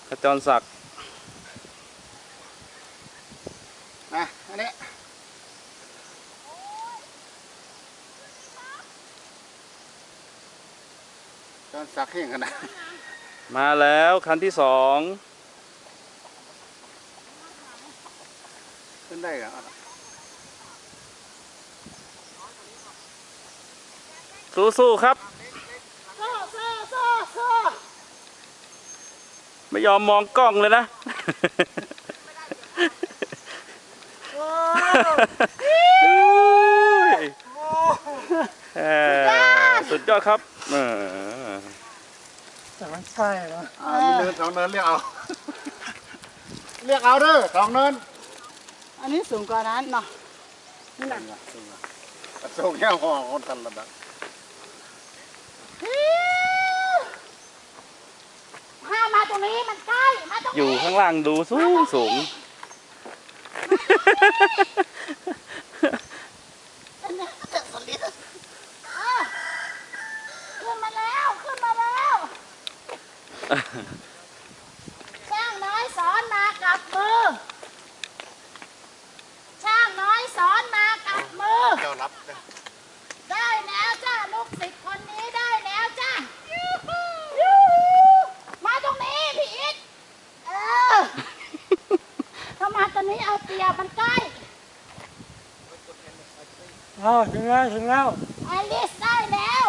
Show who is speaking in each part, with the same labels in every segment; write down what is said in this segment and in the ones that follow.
Speaker 1: ขจรศักดิ์
Speaker 2: อันนี้จอนสักเข่งกันนะ
Speaker 1: มาแล้วคันที่สอง
Speaker 2: ขึ้นได้เหรอ
Speaker 1: สู้ๆครับไม่ยอมมองกล้องเลยนะสุดยอดครับ
Speaker 2: แต่มันใช่เหรอมีเนินสองเนินเรียกเอาเรียกเอาเด้อสองเนิน
Speaker 3: อันนี้สูงกว่านั้นเนาะ
Speaker 2: นี่แหละสูงแค่ห่อคนทันระดับ
Speaker 3: ถ้ามาตรงนี้มันใกล้มาตรงนี้
Speaker 1: อยู่ข้างล่างดูสูงขึ้
Speaker 3: นมาแล้วช่างน้อยสอนมากับมือช่างน้อยสอนมากับมือ
Speaker 2: เจ้ารับ
Speaker 3: ได้แล้วจ้าลูกศิษย์คนนี้ได้แล้วจ้ามาตรงนี้พี่อิทถ้ามาตรงนี้เอาเปรียบมันใกล้
Speaker 2: ถึงแล้ว
Speaker 3: อลิสได้แล้ว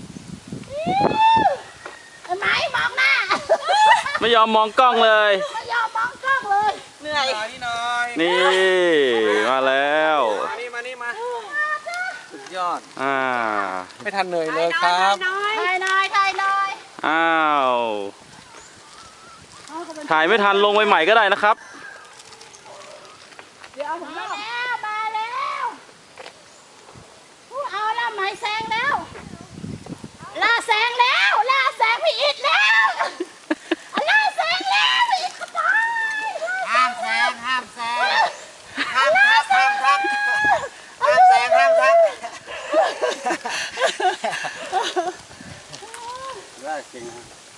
Speaker 3: ไหมมองหน้า
Speaker 1: ไม่ยอมมองกล้องเลย
Speaker 3: ไม่ยอมมองกล้องเลย
Speaker 4: เหนื่อย
Speaker 1: นี่มาแล้ว
Speaker 4: มาสุดยอด
Speaker 2: ไม่ทันเหนื่อยเลยครับ
Speaker 3: ถ่ายหน่อย
Speaker 1: อ้าวถ่ายไม่ทันลงไปใหม่ก็ได้นะครับ
Speaker 3: เดี๋ยวมาแล้วเอาละไหมแซงแล้วล่าแซงพี่อิทแล้วล่าแซงแล้วพี่อิทขโมย
Speaker 4: ห้ามแซงห้าม
Speaker 2: ได้จริง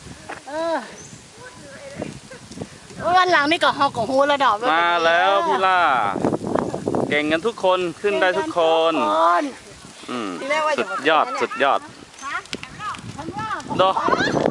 Speaker 3: วันหลังนี่ก็ฮอกของฮูแล้วดอก
Speaker 1: มาแล้วพี่ล่าเก่งกันทุกคนขึ้นได้ทุกคนสุดยอดเนาะ